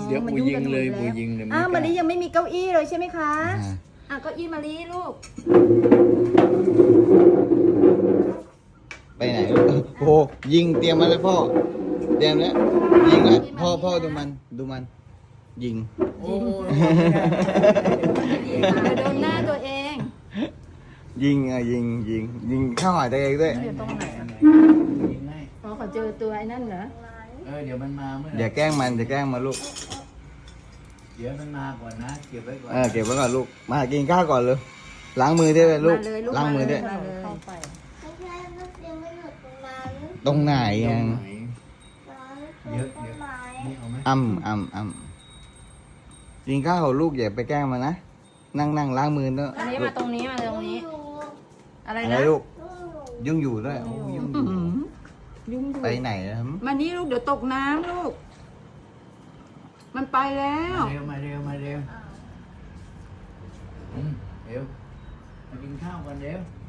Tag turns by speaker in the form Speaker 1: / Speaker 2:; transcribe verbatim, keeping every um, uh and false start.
Speaker 1: เดี๋ยว
Speaker 2: มัน
Speaker 1: ปู
Speaker 2: ยุ่ง
Speaker 1: ยิ
Speaker 2: กั
Speaker 1: ง
Speaker 2: นหม
Speaker 1: เลย
Speaker 2: ด
Speaker 1: ปู
Speaker 2: แล้ว
Speaker 1: ยิงเลย
Speaker 2: อ้าวมะลิยังไม่มีเก้าอี้เลยใช่ไหมคะ
Speaker 3: อ่า
Speaker 2: อ่ะเก้าอี้มะลิลูก
Speaker 3: ไปไหนลูกโอ้โหยิงเตรียมมาเลยพ่อเตรียมแล้วยิงแล้วพ่อพ่อดูมันดูมัน ยิง
Speaker 1: โอ้ย
Speaker 2: เดี๋ยวโดนหน้าตัวเอง
Speaker 3: ยิงอ่ะยิงยิงยิงเข้าหาตัวเองด้วย
Speaker 2: เดี๋ยวตรงไหน
Speaker 1: ยิงให้
Speaker 2: อ๋อเขาเจอตัวไอ้นั่นเหรอ
Speaker 1: เออเดี๋ยวมันมาเมื่อไห
Speaker 3: อย่า
Speaker 1: ร่
Speaker 3: แกล้งมันอย่าแกล้งมันลูก
Speaker 1: เดี๋ยวมันมาก่อนนะเก็บไว้ก่อน
Speaker 3: เออเก็บไว้ก่อนลูกมากินข้าวก่อนเลยล้างมือด้วยลูก
Speaker 2: มาเลยลูก
Speaker 3: ล้างมือด้วย
Speaker 2: มาเลยเข้าไป
Speaker 4: ไม่ใช่ลูกยังไม่หยุดตรงนั้น
Speaker 3: ตรงไหน
Speaker 1: ตร
Speaker 3: ยัง
Speaker 1: งไหน
Speaker 4: ร้าน
Speaker 1: เยอะ
Speaker 4: ต้
Speaker 1: เย
Speaker 4: น
Speaker 1: อะ
Speaker 4: ไม้
Speaker 1: นี่เอาไหม
Speaker 3: อ้ำอ้ำอ้ำกินข้าวลูกอย่าไปแกล้งมันนะนั่งนั่งล้างมือเนอะ
Speaker 2: อันนี้มาตรงนี้มาตรงนี้ อะไร
Speaker 3: อะไร
Speaker 2: นะ
Speaker 3: ลูก
Speaker 4: ลูก
Speaker 3: ยุ่งอยู่ด้วยโอ้ยุ่งอ
Speaker 2: อื้
Speaker 3: ยู่
Speaker 2: อหือยุ่งอยู่
Speaker 3: ไปไหนนะครับ
Speaker 2: มานี่ลูกเดี๋ยวตกน้ำลูก มันไปแล้ว
Speaker 1: มาเร็วมาเร็วมาเร็วอืมเร็วมากินข้าวกันเร็ว